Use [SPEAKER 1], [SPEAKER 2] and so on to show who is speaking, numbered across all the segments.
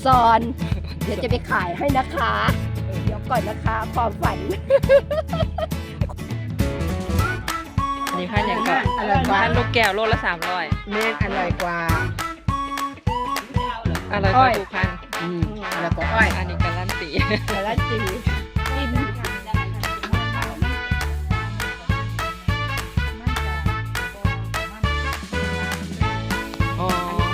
[SPEAKER 1] ซอน เดี๋ยวจะไปขายให้นะคะเดี๋ยวก่อนนะคะความฝัน
[SPEAKER 2] อันนี้พันอย่างก่อนพันลูกแก้วโลละ300
[SPEAKER 3] แม่อร่อยกว่า
[SPEAKER 2] อร่อยกว่าทุกพัน
[SPEAKER 3] แล้วก็อ้อย
[SPEAKER 2] อันนี้การันตี
[SPEAKER 1] การันตีกิน
[SPEAKER 2] อ๋อ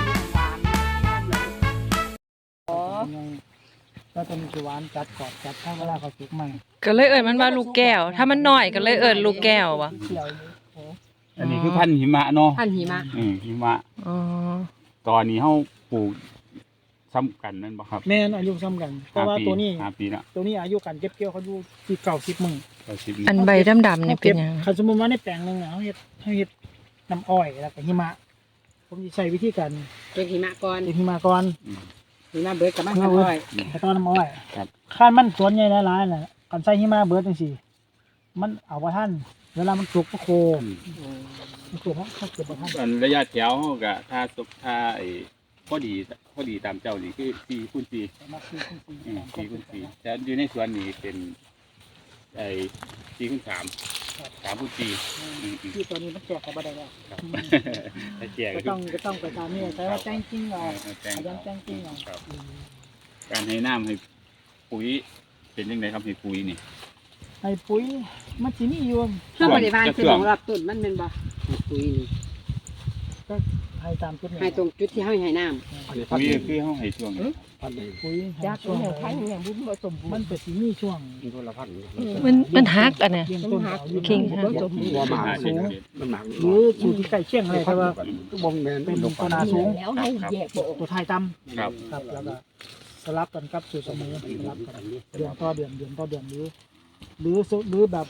[SPEAKER 4] แล้วจะมีหวานจัดกรอบจัดถ้าเวลาเขาสุกใหม่
[SPEAKER 2] ก็เลยเอิ้นมันว่าลูกแก้ว ถ้ามันน้อยก็เลยเอิ้นลูกแก้ววะ
[SPEAKER 4] เขียว
[SPEAKER 5] อันนี้คือพันธุ์หิมะเนาะ
[SPEAKER 3] พันหิมะ
[SPEAKER 5] หิมะ
[SPEAKER 2] อ๋อ
[SPEAKER 5] ตอนนี้เฮาปลูกซ้ำกันนั่นบ่ครับ
[SPEAKER 4] แม่นอายุซ้ำกัน เพราะว่าตัวนี้
[SPEAKER 5] 5 ปีละ
[SPEAKER 4] ตัวนี้อายุการเก็บเกี่ยวเขาอยู่ที่เก่า10 มื้อ
[SPEAKER 5] 90
[SPEAKER 2] อันใบดำๆนี่เป็นหยัง
[SPEAKER 4] คันสมมุติว่าในแปลงนึงเฮาเฮ็ดน้ำอ้อยแล้วก็หิมะ ผมสิใช้วิธีการ
[SPEAKER 3] เก็บหิมะก่อน
[SPEAKER 4] เก็บหิมะก่อน
[SPEAKER 3] หิมะเบิดกับมันก็อ้อย
[SPEAKER 4] แล้วก็น้ำอ้อยคันมันสวนใหญ่หลายๆน่ะกันใส่หิมะเบิดจังซี่มันเอาบ่ทันเวลามันสุกก็โคมันสุกเขาเก็บบ่ทัน
[SPEAKER 5] อันระยะแถวเฮาก็ถ้าไอ้พอดีตามเจ้านี่คือ4คูณ4
[SPEAKER 4] ประมาณ4
[SPEAKER 5] คูณ4แต่อยู่ในสวนนี่เป็นไอ้4คูณ3 3คูณ4
[SPEAKER 4] ที่ตัวนี้มันแจกกันบ่ได้แล้ว
[SPEAKER 5] ครับถ้าแจก
[SPEAKER 4] ก็ต้องไปตามนี่แต่ว่าแจ้งจริงเอา
[SPEAKER 5] แจ้ง
[SPEAKER 4] ขยันแจ้งจริงเอา
[SPEAKER 5] ครับการให้น้ำให้ปุ๋ยเป็นจังไดครับให้ปุ๋ยนี่
[SPEAKER 4] ให้ปุ๋ยมันสิมีอยู่
[SPEAKER 3] ถ้าบริบาลคือของรับต้นมันเป็นบ่ปุ๋ยนี่
[SPEAKER 4] ก็ให้ตามจุดนี้
[SPEAKER 3] ให้ตรงจุดที่เฮาให้น้ำ
[SPEAKER 5] ปุ๋ยคือเฮาให้ช่วงนี้
[SPEAKER 4] ปุ๋ย
[SPEAKER 1] อยากเป็นอย่างพันอย่างบุ้มผสมบู
[SPEAKER 4] มั
[SPEAKER 1] ร
[SPEAKER 4] น
[SPEAKER 1] ณ์
[SPEAKER 4] เป็นสิมีช่วง
[SPEAKER 2] มันฮักอันน่ะ
[SPEAKER 4] เลี้ยงต้นเอาอยู่
[SPEAKER 2] คิง
[SPEAKER 4] หัวสมบูรณ์
[SPEAKER 5] หา
[SPEAKER 4] สูง
[SPEAKER 5] มันหมัก
[SPEAKER 4] หรือสูงที่ใกล้เคียงอะไรแต่ว่า
[SPEAKER 5] บ่แม่น
[SPEAKER 4] เป็นต้นนาสูง
[SPEAKER 1] แล้วให้แยกบอก
[SPEAKER 4] ตัวไทยต่
[SPEAKER 5] ครับ
[SPEAKER 4] ำครับแล้วก็สลับกันครับสูตรเสมอสลับกันเดือนต่อเดือนหรือแบบ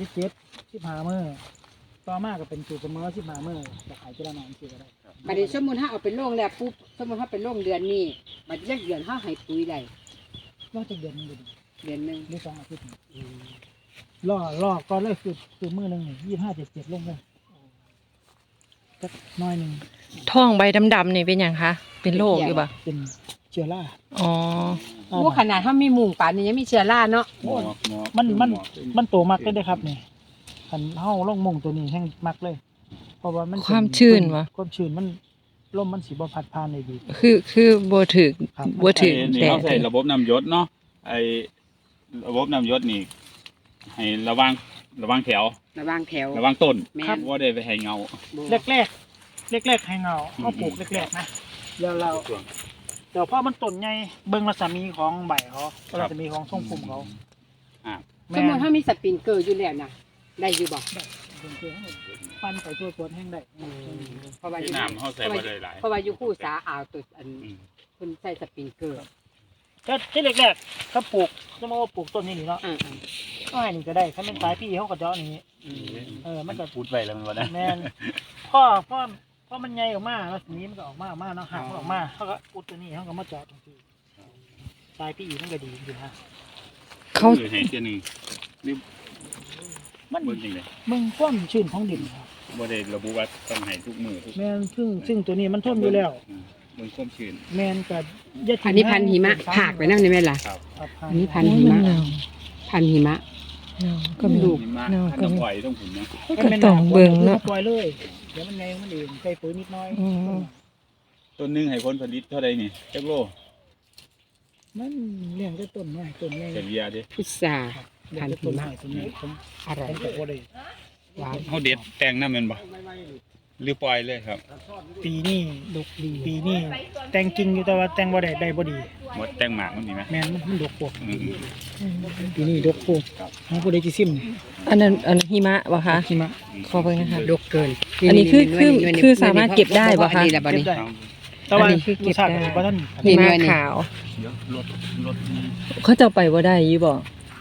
[SPEAKER 4] 15 มื้อต่อมาก็เป็นสูตรเสมอ15 มื้อจะขายทีละหน่อยสิก็ได้
[SPEAKER 3] บัดนี้สมมุติเฮาเอาไปลงแล้วปุ๊บสมมุติเฮาไปลงเดือนนี้บัดจักเดือนเฮาให้ปุ๋ยได้
[SPEAKER 4] รอจะเดือนนึง
[SPEAKER 3] เดือนนึง
[SPEAKER 4] หรือ2 อาทิตย์รอก่อนเลยคือมื้อนึง25-7ลงเลยจักน้อยนึง
[SPEAKER 2] ท้องใบดำๆนี่เป็นหยังคะ เป็นโรคอยู่ปะ
[SPEAKER 4] เป็นเชื้อรา
[SPEAKER 2] อ๋อ
[SPEAKER 3] โอ้ขนาดเฮามีมุงป่านนี้ยังมีเชื้อราเนาะ
[SPEAKER 4] มันโตมากเลยครับนี่คันเฮาลงมุงตัวนี้แห้งมักเลย เพราะว่ามัน
[SPEAKER 2] ความชื้นวะ
[SPEAKER 4] ความชื้นมันลมมันสิบ่พัดผ่านได้ดี
[SPEAKER 2] คือบ่ถึก
[SPEAKER 4] ครับ
[SPEAKER 2] บ่ถึก
[SPEAKER 5] นี่
[SPEAKER 2] แด
[SPEAKER 5] เฮา
[SPEAKER 2] ด
[SPEAKER 5] ใส่ระบบน้ำหยศเนาะไอ้ระบบน้ำหยศนี่ให้ระวังแถว
[SPEAKER 3] ระวางแถว
[SPEAKER 5] ระวังต้น
[SPEAKER 3] แม่น
[SPEAKER 5] บ่ได้ไปให้เงา
[SPEAKER 4] แรกให้เงาเฮาปลูกแรกๆนะแล้วเรา
[SPEAKER 5] ช่วง
[SPEAKER 4] เดี๋ยวพอมันต้นใหญ่เบิ่งรัศมีของใบเขารัศมีของทรงภูมิเขา
[SPEAKER 3] สมมุติเฮามีสปริงเกอร์อยู่แล้วน่ะได้อยู่บ่
[SPEAKER 4] ปั้นไปทั่วสวนแห้งได้
[SPEAKER 3] เพราะว่าอยู่
[SPEAKER 5] น้ำเฮาใส่บ่ได้หลาย
[SPEAKER 3] เพราะว่าอยู่คู่สาอ่าวตุดอันเพิ่นใส่สปริงเกอร์
[SPEAKER 4] ก็ที่แรกๆถ้าปลูกจะมาว่าปลูกต้นนี้นี่เนาะ
[SPEAKER 3] อ่า
[SPEAKER 4] ก็ให้นี่ก็ได้ถ้าเป็นสายพี่เขาก็เจาะอย่างนี้ มันก็
[SPEAKER 5] พูดไว้แล้วมันบ่ได้
[SPEAKER 4] แม่นพ่อมันใหญ่ออกมาแล้วทีนี้มันก็ออกมาเนาะหักมันออกมาเขาก็อุดตัวนี้เขาก็มาเจาะตรงที่สายพี่อีมันก็ดีจริงๆฮะ
[SPEAKER 2] เขา
[SPEAKER 5] คือให้เที่ยหนึงนี่
[SPEAKER 4] มัน
[SPEAKER 5] เบิ่งจังได๋
[SPEAKER 4] มึงความชื้นของดินครับ
[SPEAKER 5] บ่ได้ระบุว่าต้องให้ทุกมื้อทุก
[SPEAKER 4] แม่นซึ่งตัวนี้มันทนอยู่แล้ว
[SPEAKER 5] เบิ่งความชื้น
[SPEAKER 4] แม่นกับยา
[SPEAKER 3] อันนี้พันธุ์หิมะผากไปนั่นได้ไหมล่ะ
[SPEAKER 5] ครับ
[SPEAKER 3] อันนี้พันธุ์หิมะ พันธุ์หิมะ
[SPEAKER 2] เนาก็มี
[SPEAKER 5] หิมะ
[SPEAKER 2] เนา
[SPEAKER 5] ถ้า
[SPEAKER 2] ก็
[SPEAKER 5] น้ำ
[SPEAKER 2] มี
[SPEAKER 5] ปล่อยต้องผมนะ
[SPEAKER 2] ก็ต้องเบิ่งเนาะ
[SPEAKER 4] ปล่อยเลยเดี๋ยวมันไงมันเองใส่ปุ๋ยนิดหน้อย
[SPEAKER 2] อืม
[SPEAKER 5] ต้นหนึงให้ผลผลิตเท่าใดนี่จักโล
[SPEAKER 4] มันเลี้ยงได้ต้นน้อยต้นใหญ่
[SPEAKER 5] เฉลี่ยเด้
[SPEAKER 3] พุทรา
[SPEAKER 4] เลี้ยงได้ต้นน้อยต้นใหญ่ผม
[SPEAKER 3] อร่อย
[SPEAKER 4] ก็บ่ได้
[SPEAKER 3] หวาน
[SPEAKER 5] เฮาเด็ดแต่งนำแม่นบ่หรือปล่อยเลยครับ
[SPEAKER 4] ปีนี้
[SPEAKER 3] ดกดี
[SPEAKER 4] ปีนี้แต่งจริงอยู่แต่ว่าแต่งบ่ได้บ่ดี
[SPEAKER 5] หมดแต่งหมากมันนี่ไหม
[SPEAKER 4] แม่นมันดกพวก
[SPEAKER 5] อืม
[SPEAKER 4] ปีนี้ดกพวกของผู้ใดที่ซิม
[SPEAKER 2] อันนั้นหิมะบ่คะ
[SPEAKER 4] หิมะ
[SPEAKER 2] ขอเบิ่งนะคะ
[SPEAKER 3] ดกเกิน
[SPEAKER 2] อันนี้คือสามารถเก็บได้ปะคะ
[SPEAKER 3] อันนี้แหละบัดนี้
[SPEAKER 4] เก็บได้ แต่ว่า
[SPEAKER 2] อันนี้คือเก็บได้
[SPEAKER 4] รสชาติบ่ทัน
[SPEAKER 3] นี่
[SPEAKER 2] หิ
[SPEAKER 3] หน่
[SPEAKER 2] มะ
[SPEAKER 3] วยนี่
[SPEAKER 2] ขาว
[SPEAKER 5] เดี๋ยวรถ
[SPEAKER 2] เขาจะไปบ่ได้อยู่บ่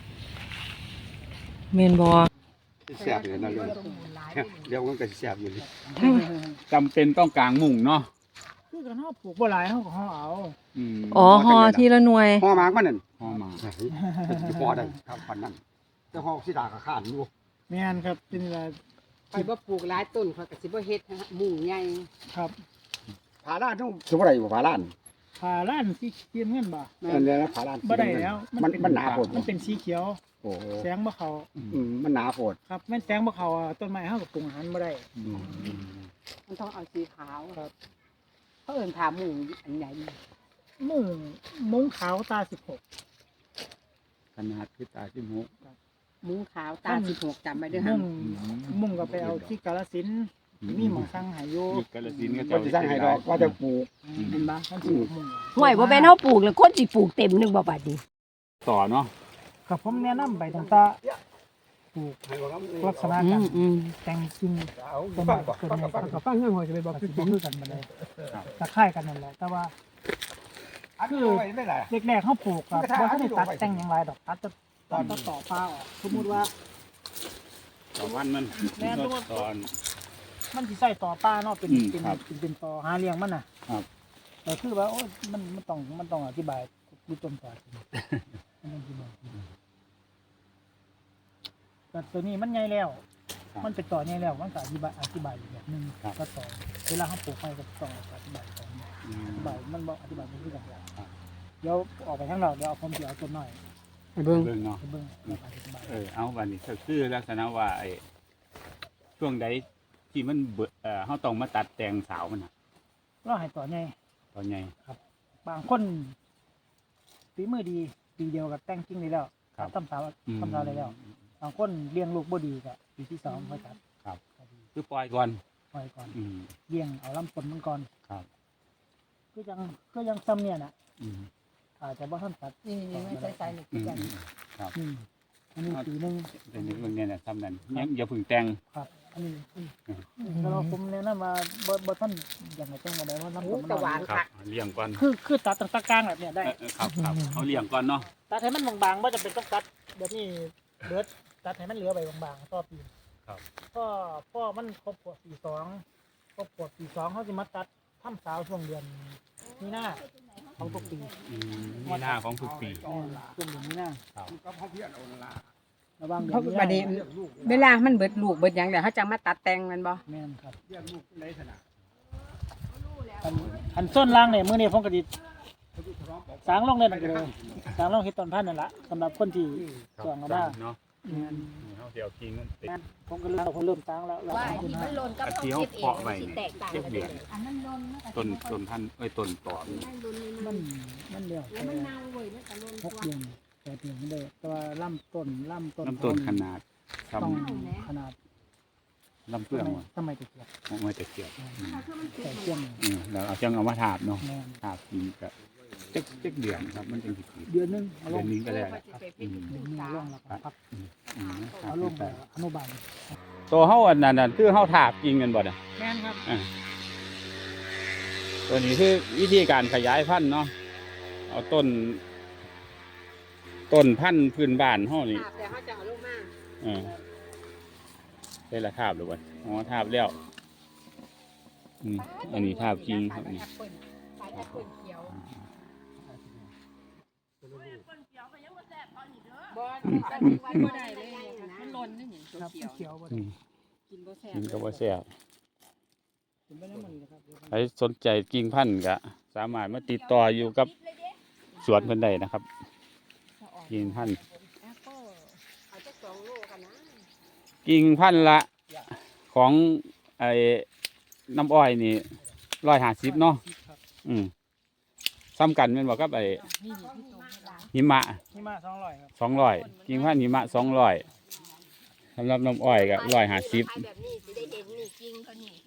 [SPEAKER 2] แม่นบ่
[SPEAKER 6] แซ่บอยู่นะเรื่องมันก็แซ่บอยู่
[SPEAKER 2] ถ้า
[SPEAKER 5] จำเป็นต้องกลางมุ้งเนาะ
[SPEAKER 4] คือกันเฮาปลูกบ่หลายเฮาก็เฮาเอา
[SPEAKER 2] อ๋อฮอทีละหน่วย
[SPEAKER 6] ห่อหมากมันนั่น
[SPEAKER 5] ห่อหมาก
[SPEAKER 6] ห่อได้ครับปันนั้นแต่ห่อสิดาก็ข้านอยู่
[SPEAKER 4] แม่นครับเป็นอะไร
[SPEAKER 3] ข่อยบ่ปลูกหลายต้นข่อยก็สิบ่เฮ็ดมุงใหญ่
[SPEAKER 4] ครับ
[SPEAKER 6] ผาล้านต้องสิบ่ได้บ่ผาล้าน
[SPEAKER 4] ผ่าล้านสีเขียวเงินบ่
[SPEAKER 6] นั่นเลยนะขาลาน
[SPEAKER 4] บ่ได้แล้ว
[SPEAKER 6] มันหนาโผด
[SPEAKER 4] มันเป็นสีเขียว
[SPEAKER 6] โอ้โห
[SPEAKER 4] แสงบ่เข้า
[SPEAKER 6] มันหนาโผด
[SPEAKER 4] ครับแม่นแสงบ่เข้าอ่ะต้นไม้เฮาก็ปรุงอาหารบ่ได้
[SPEAKER 3] มันต้องเอาสีขาว
[SPEAKER 4] ครับ
[SPEAKER 3] เขาเอิ้นขาหมูอันใหญ่
[SPEAKER 4] มุ้งขาวตา16
[SPEAKER 6] ขนาดคือตาที่มุก
[SPEAKER 3] มุ้งขาวตา16จำไว้เด้อ
[SPEAKER 4] มุ้
[SPEAKER 3] ฮะ
[SPEAKER 4] งมุ้งก็ไปเอาที่กาฬสินธุ์มีหมองสั่งให้อยู่
[SPEAKER 5] อีกกาฬสินธุ์ก็
[SPEAKER 6] ว่าจะสร้างให้ดอกว่าจะปลูก
[SPEAKER 3] เห็นบ่
[SPEAKER 4] มันสิมุ้ง
[SPEAKER 1] ห่วยบ่แม่นเฮาปลูกแล้วคนสิปลูกเต็มหนึงบ่บัดนี้
[SPEAKER 5] ต่อเนาะ
[SPEAKER 4] ก็ผมแนะนำไปตั้งแต่ปลูกลักษณะการแต่งกิ่งต้นไม้ต้นไม้ก็
[SPEAKER 3] ฟังเรื่องหัวจะไปบอก
[SPEAKER 4] สิบ่คือกันบ่ได้ตะไคร้กันนั่นแหละแต่ว่า คือแรกๆเขาปลูกครับว่าเขาได้ตัดแต่งอย่างไรดอกตัดจะต่อฟ้าออกสมมุติว่า
[SPEAKER 5] ต่อวันมัน
[SPEAKER 4] แม่นตัว
[SPEAKER 5] ตอน
[SPEAKER 4] มันสิใส่ต่อป้าเนาะเป็น
[SPEAKER 5] ครับ
[SPEAKER 4] เป็นต่อหาเลี้ยงมันน่ะ
[SPEAKER 5] ครับ
[SPEAKER 4] แต่คือว่าโอ้ยมันต้องอธิบายดูต้นต่อจริงมันต้องอธิบายแต่ตัวนี้มันใหญ่แล้ว มันเป็นต่อใหญ่แล้วมันก็อธิบายอีกแบบหนึงก็ต่อเวลาเขาปลูกไปก็ต้องอธิบายต่ออธิบายมันบอกอธิบายมันคือกันเดี๋ยวออกไปข้างนอกเดี๋ยวเอาผมสิเอาต้นน้อย
[SPEAKER 3] เบิ่ง
[SPEAKER 5] เบิ่งเนาะ
[SPEAKER 4] ไปเบิ่งแล้วก็อธิบาย
[SPEAKER 5] เอาวันนี้ก็คือลักษณะว่าไอ้ช่วงใดที่มันเฮาต้องมาตัดแต่งสาวมันน่ะ
[SPEAKER 4] ก็ให้ต่อใหญ่
[SPEAKER 5] ตอนใหญ่
[SPEAKER 4] บางคนฝีมือดีปีเดียวกับแต่งจริงได้แล้ว
[SPEAKER 5] ครับ
[SPEAKER 4] ทำสาวได้แล้วบางคนเลี้ยงลูกบ่ดีก็ปีที่2ค่อยตัด
[SPEAKER 5] ครับ
[SPEAKER 4] ก็ดี
[SPEAKER 5] คือปล่อยก่อน
[SPEAKER 4] ปล่อยก่อน
[SPEAKER 5] อืม
[SPEAKER 4] เลี้ยงเอาลำต้นมันก่อน
[SPEAKER 5] ครับ
[SPEAKER 4] คือยังซ้ำเนี่ยน่ะ
[SPEAKER 5] อืม
[SPEAKER 4] อาจจะบ่ทันตัด
[SPEAKER 3] นี่ไม่ใส่นี่
[SPEAKER 5] อืม
[SPEAKER 3] กัน
[SPEAKER 5] ครับ
[SPEAKER 4] อันนี้ปีหนึง
[SPEAKER 5] เป็นเรื่องเนี้น่ะทำนั้นยังอย่าเพึ่งแต่ง
[SPEAKER 4] ครับ อันนี้แล้วเราผมแนะนำว่าบ่ทันอย่างไรต้องบ่ได้ว่าลำต้นมัน
[SPEAKER 3] ตะหวาน
[SPEAKER 5] ครับเลี้ยงก่อน
[SPEAKER 4] คือตัดตั้งแต่กลางแบบเนี้ยได้
[SPEAKER 5] ครับเอาเลี้ยงก่อนเนาะ
[SPEAKER 4] ตัดให้มันบางๆบ่จำเป็นต้องตัดแบบนี้เบิดตัดให้มันเหลือไปบางๆต่อปี
[SPEAKER 5] ครับ
[SPEAKER 4] พ่อมันครบขวบ42ครบขวบ42เขาสิมาตัดทำสาวช่วงเดือนมีนาของทุกปี
[SPEAKER 5] มีหน้าของทุกปี
[SPEAKER 4] ช่วงเดือนมีนา
[SPEAKER 6] ก็พ่อเพี้ยนเอาละ
[SPEAKER 4] ระวัง
[SPEAKER 3] เขาบัดนี้เวลามันเบิดลูกเบิดหยังแล้วเขาจะมาตัดแต่งมันบ่
[SPEAKER 4] แม่นครับ
[SPEAKER 6] เพี้ยนลูกในขนาด
[SPEAKER 4] อันส้นล่างเนี่ยมื้อนี้ผมก็สิสร้างลงเลยนั่นก็เลยสร้างลงเฮ็ดต้นพันธุ์นั่นล่ะสำหรับคนที่สร้างมาได้
[SPEAKER 5] เนาะ
[SPEAKER 4] แม่น
[SPEAKER 5] เฮาสิเอากิ่งมันติด
[SPEAKER 4] ผมก็เริ่มสร้างแล้ว
[SPEAKER 1] ว่าไอ้ที่มันหล่นกับ
[SPEAKER 5] อัน
[SPEAKER 1] เขา
[SPEAKER 5] ที่เฮา
[SPEAKER 1] คิดเอง
[SPEAKER 5] เพาะไว้
[SPEAKER 1] สิ
[SPEAKER 5] นี่
[SPEAKER 1] แตกต่าง
[SPEAKER 5] เจ็บ
[SPEAKER 1] กัน
[SPEAKER 5] เดือน
[SPEAKER 1] อันนั้นหล่นมันก็
[SPEAKER 5] ต้นพันธุ์ต้นต่อนี่
[SPEAKER 4] มันเดียว
[SPEAKER 1] แล้วมันเน่าเว้ยมันก็หล่น
[SPEAKER 4] 6
[SPEAKER 1] ตัว
[SPEAKER 4] เดือน8เดือนได้แต่ว่าลำต้น
[SPEAKER 5] ลำต้นขนาดท
[SPEAKER 4] ต้องขนาด
[SPEAKER 5] ำลำเปลือง
[SPEAKER 4] ทำไมตะเกียบ
[SPEAKER 5] ออกมาจากเกียบ
[SPEAKER 4] ใส่เกียง
[SPEAKER 5] แล้วเอาจังเอามาถาบเนาะ
[SPEAKER 4] แม่น
[SPEAKER 5] ถาบกินก็จักเดือนครับมันจังสิกิน
[SPEAKER 4] เดือนหนึงเอาล
[SPEAKER 5] เดือง นนี้ก็ได้
[SPEAKER 4] เดือนหนึงลงแล้วก็พัก
[SPEAKER 5] ค
[SPEAKER 4] เอา
[SPEAKER 5] รับ
[SPEAKER 4] ลงไปอนุบาล
[SPEAKER 5] ตัวเฮาอันนั้นน่ะคือเฮาถาบกินกันบ่น่ะ
[SPEAKER 4] แม่นครับ
[SPEAKER 5] ตัวนี้คือวิธีการขยายพันธุ์เนาะเอาต้นพันธุ์พื้นบ้านเฮานี่
[SPEAKER 3] แต่เขาจะเอาลงมา
[SPEAKER 5] ได้ละทาบหรือเปล่าอ๋อทาบแล้วอันนี้ทาบจริงครับนี่
[SPEAKER 3] ปลาแอปเปิ้ลเขียวบ่บ่ได้เลยมันหล่นนี่หยัง
[SPEAKER 4] ครับ
[SPEAKER 3] เขียว
[SPEAKER 4] เขียวบ่
[SPEAKER 5] อื
[SPEAKER 4] ได้
[SPEAKER 5] ม
[SPEAKER 3] กินบ่แซ่บ
[SPEAKER 5] กินก็บ่แซ่บ
[SPEAKER 4] กินไปแล้วมันนะครับ
[SPEAKER 5] ใครสนใจกิ่งพันธุ์ก็สามารถมาติดต่ออยู่กับสวนเพิ่นได้นะครับกิ่งพันธุ์
[SPEAKER 3] แอปเปิ้ลเอาจัก2โลกันนะ
[SPEAKER 5] กิ่งพันธุ์ละของไอ้น้ำอ้อยนี่150เนาะซ้ำกันแม่นบ่ครับไอ้หิมะ
[SPEAKER 4] นี่มา200ครับ
[SPEAKER 5] 200กิ่งพันธุ์หิมะ200สำหรับน้ำอ้อยก็150
[SPEAKER 1] แบบนี้สิได้เห็นนี่จริงเขานี่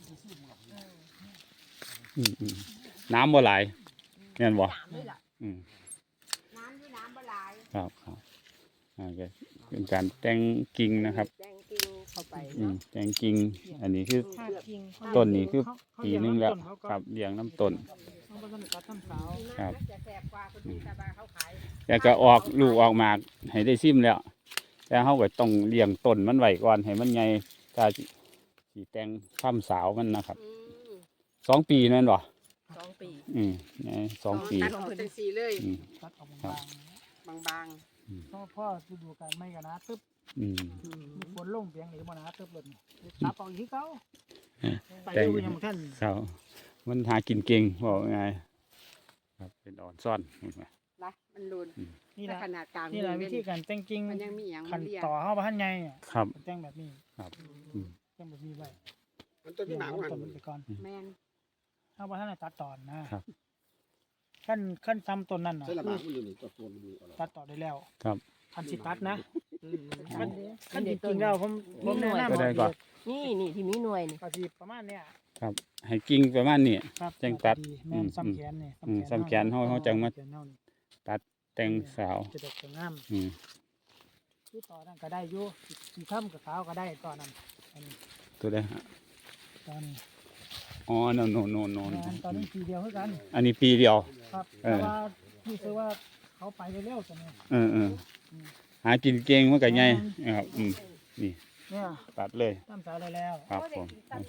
[SPEAKER 5] น้ำบ่หลายแม่นบ่
[SPEAKER 1] น้ำด้วยล่ะ
[SPEAKER 5] อืม
[SPEAKER 1] น้ำด้วยน้ำบหลาย
[SPEAKER 5] ครับก็เป็นการแต่งกิ่งนะครับ
[SPEAKER 1] แดงจริงเข้าไป
[SPEAKER 5] แต่งกิ่งอันนี้คือ
[SPEAKER 3] ถ้ากิน
[SPEAKER 5] ต้นนี้คือ
[SPEAKER 4] เขา
[SPEAKER 5] ปีนึงแล้ว
[SPEAKER 4] เขาก็
[SPEAKER 5] ครับเลี้ยงน้ำต้น
[SPEAKER 4] เขาก็ต้องตัดทำสาว
[SPEAKER 5] ครับ
[SPEAKER 3] จะแซ่บกว่าคนที่ตาบาเขาขาย
[SPEAKER 5] แล้วก็ออกลูกออกหมากให้ได้ซิมแล้ว แต่เขาก็ต้องเลี้ยงต้นมันไว้ก่อนให้มันใหญ่ถ้าสีแต่งทำสาวมันนะครับ 2 ปีนั่นบ่
[SPEAKER 1] 2 ปี
[SPEAKER 5] 2 ปี
[SPEAKER 3] ตัดออกเป็นสีเลย
[SPEAKER 5] อืม
[SPEAKER 4] ตัดออก
[SPEAKER 5] ครับ
[SPEAKER 3] บาง
[SPEAKER 4] เพราะพ่อฤดูกาลไม่กันนะตึ๊บ
[SPEAKER 5] อืม
[SPEAKER 4] มีฝนลงเพียงหรือบ่นะตึ๊บเลยตัดออกอีกเขาไป
[SPEAKER 5] แต่ง
[SPEAKER 4] ดูยังท่าน
[SPEAKER 5] เขามันหากินเก่งบอกไงครับเป็นอ่อนซ่อนเห็นไหม
[SPEAKER 3] ละมันรุน
[SPEAKER 4] นี่
[SPEAKER 3] ถ้า
[SPEAKER 4] ละ
[SPEAKER 3] ขนาดกลาง
[SPEAKER 4] นี่แหละวิธีการแต่งกิ่ง
[SPEAKER 3] มันยังมีอย่าง
[SPEAKER 4] ขั
[SPEAKER 3] มัน นเรียก
[SPEAKER 4] ต่อเข้าบ้านไงอ่ะ
[SPEAKER 5] ครับ
[SPEAKER 4] แต่งแบบนี้
[SPEAKER 5] ครับอืม
[SPEAKER 4] แต่งแบบนี้ไว้
[SPEAKER 6] มันต้นที่หนังมัน
[SPEAKER 4] ต้นมันไปก่อน
[SPEAKER 3] แม่น
[SPEAKER 4] เข้าบ้านตัดตอนนะครับ ขั้นซ้ำต้นนั่นน่ะ
[SPEAKER 6] ใช่ละหมากมันอยู่นี่ตัวมันอยู่
[SPEAKER 4] ตัดต่อได้แล้ว
[SPEAKER 5] ครับ
[SPEAKER 4] คันสิตัดนะ
[SPEAKER 1] มั
[SPEAKER 4] ขั้นจริงๆแล้วผมแนะนำ
[SPEAKER 5] ก็ได้ก่อน
[SPEAKER 1] นี่ที่มีหน่วยนี่
[SPEAKER 4] ก็สิประมาณเนี้ย
[SPEAKER 5] ครับให้กิ่งประมาณนี้
[SPEAKER 4] ครับ
[SPEAKER 5] จังตัด
[SPEAKER 4] แม่นซ้ำแขนนี่
[SPEAKER 5] ซ้ำแขนเฮาจังมา
[SPEAKER 4] แขนเฮานี่
[SPEAKER 5] แต่งสาว
[SPEAKER 4] จะดกจะงาม
[SPEAKER 5] อืม
[SPEAKER 4] คือต่อนั่นก็ได้อยู่สีค่ำกับขาวก็ได้ต่อนั้นอันนี้
[SPEAKER 5] ตัวได้ฮะ
[SPEAKER 4] ตอนนี้
[SPEAKER 5] อ๋อโน่น
[SPEAKER 4] งานตอนนี้ปีเดียวเท่ากัน
[SPEAKER 5] อันนี้ปีเดียว
[SPEAKER 4] ครับ
[SPEAKER 5] เออ
[SPEAKER 4] แต่ว่าพี่ซื้อว่าเขาไปเร็วๆตัวนี้
[SPEAKER 5] เออหากินเก่งมันก็ใหญ่นะครับนี่
[SPEAKER 4] เนี่ย
[SPEAKER 5] ตัดเลย
[SPEAKER 4] ตั้มสาวได้แล้ว
[SPEAKER 5] ครับผม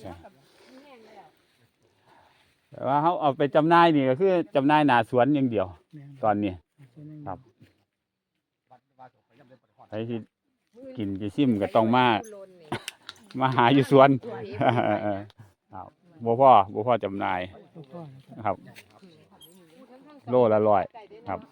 [SPEAKER 5] แต่ว่าเขาเอาไปจำหน่ายนี่ก็คือจำหน่ายหน้าสวนอย่างเดียว
[SPEAKER 4] เนี่ย
[SPEAKER 5] ตอนนี้
[SPEAKER 4] ครับ
[SPEAKER 5] ใครที่กินจะซิมก็ต้องมาหาอยู่สวน ครับบ่พ่อจำหน่าย
[SPEAKER 4] ลูกพ่อนะครับ
[SPEAKER 5] ครับ โลละ100ครับ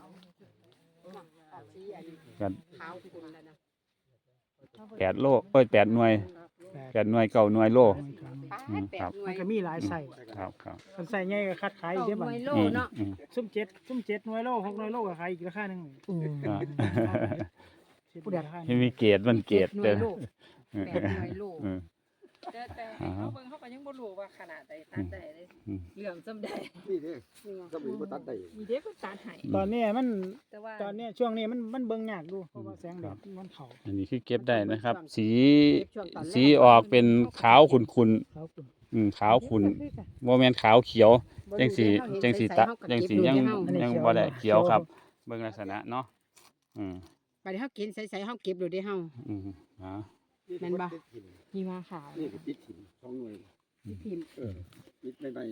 [SPEAKER 5] กัน
[SPEAKER 3] ขาวคุณแล้วนะ
[SPEAKER 5] 8 โล8 หน่วย9 หน่วยโล อืมครับ
[SPEAKER 4] มันก็มีหลายไส้
[SPEAKER 5] ครับ
[SPEAKER 4] มันใส่ใหญ่ก็คัดขายอีกเด้อบัด
[SPEAKER 3] หน่วยโล
[SPEAKER 5] อืม
[SPEAKER 3] เนาะ
[SPEAKER 5] อืม
[SPEAKER 4] ซุ่มเจ็ดหน่วยโล6หน่วยโลก็ขายอีกราคาหนึง
[SPEAKER 5] อ่า
[SPEAKER 4] ผู้ใดราคาห
[SPEAKER 5] ที่
[SPEAKER 4] นึ่ง
[SPEAKER 5] มีเกรดมันเกรด
[SPEAKER 3] หน่
[SPEAKER 5] เด้
[SPEAKER 3] ว
[SPEAKER 5] อย
[SPEAKER 3] โล8หน่วยโล
[SPEAKER 5] อืม
[SPEAKER 2] แต่ให้เขาเบิ่งเขาก็ยังบ่รู้ว่าขนาดใดตัดได้เลย
[SPEAKER 1] เหลื่อมจำได้
[SPEAKER 6] นี่เด้สมุนบ่ตัดได้
[SPEAKER 2] มีเด็กก็ตัดให้
[SPEAKER 4] ตอนนี้มัน
[SPEAKER 2] แต่ว่า
[SPEAKER 4] ตอนนี้ช่วงนี้มันเบิ่งยากดูเพราะว่าแสงแดดมันเข้า
[SPEAKER 5] อันนี้คือเก็บได้นะครับ สี
[SPEAKER 3] ช่วงตอนแรก
[SPEAKER 5] สีออกเป็นขาวขุ่น
[SPEAKER 4] เขาคุณ
[SPEAKER 5] ๆขาวขุ่นโมเมนขาวเขียว จังสียังบ่ได้เขียวครับ เบิ่งลักษณะเนาะอืม
[SPEAKER 3] ไปเฮากินใส่ๆเฮาเก็บดูได้เฮา
[SPEAKER 5] อืมฮะ
[SPEAKER 3] แม่นบ่
[SPEAKER 2] มีมาขาว
[SPEAKER 6] นี่คือติดถิ่น2หน่วย
[SPEAKER 3] พิมพ์
[SPEAKER 6] ติดใน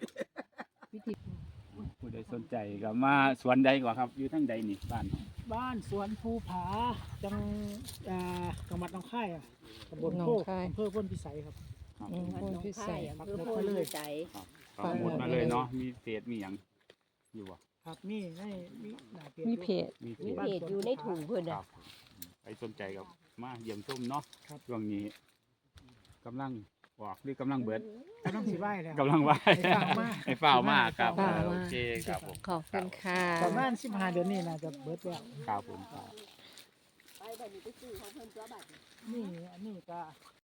[SPEAKER 5] ผู้ใดสนใจก็มาสวนใดก่อนครับ อยู่ทางใดนี่บ้านเฮา
[SPEAKER 4] บ้านสวนภูผาจังจังหวัดหนองคายอ่ะตำบลโคกอำเภอพ้นพิสัยครับ
[SPEAKER 5] ครับ
[SPEAKER 1] คนพิเศษ
[SPEAKER 4] ปัก
[SPEAKER 1] คือ
[SPEAKER 4] หมุด
[SPEAKER 1] โพ
[SPEAKER 4] มา
[SPEAKER 1] ล
[SPEAKER 4] เลย
[SPEAKER 1] ใจ
[SPEAKER 5] ก็หมดมาเลยเนาะมีเศษมีหยังอยู่บ่
[SPEAKER 4] ครับมีหน้า
[SPEAKER 2] มีเพจ
[SPEAKER 5] มีเศ
[SPEAKER 1] มี
[SPEAKER 5] ษ
[SPEAKER 1] เพจอยู่ในถุงเพิ่น
[SPEAKER 5] ค
[SPEAKER 1] น่ะ
[SPEAKER 5] รับไปสนใจกับมาเยี่ยมชมเนาะ
[SPEAKER 4] ครับ
[SPEAKER 5] ช่วงนี้กำลังออกหรือกำลังเบิด
[SPEAKER 4] กำลังสิไหว้แล้ว
[SPEAKER 5] กำลังไหว
[SPEAKER 4] ให้ฝ่าวมาก
[SPEAKER 5] ให้ฝ่าวมากครับ
[SPEAKER 2] ฝ่าวมาก
[SPEAKER 5] โอเคครับผม
[SPEAKER 2] ขอบคุณค่ะ
[SPEAKER 4] ประมาณ15 เดือนนี้น่าจะเบิดแล้ว
[SPEAKER 5] ครับผมครับ
[SPEAKER 1] ไปแบบนี้ไปซื้อของเพิ่นตัวบัด
[SPEAKER 4] นี่อันนี้ก็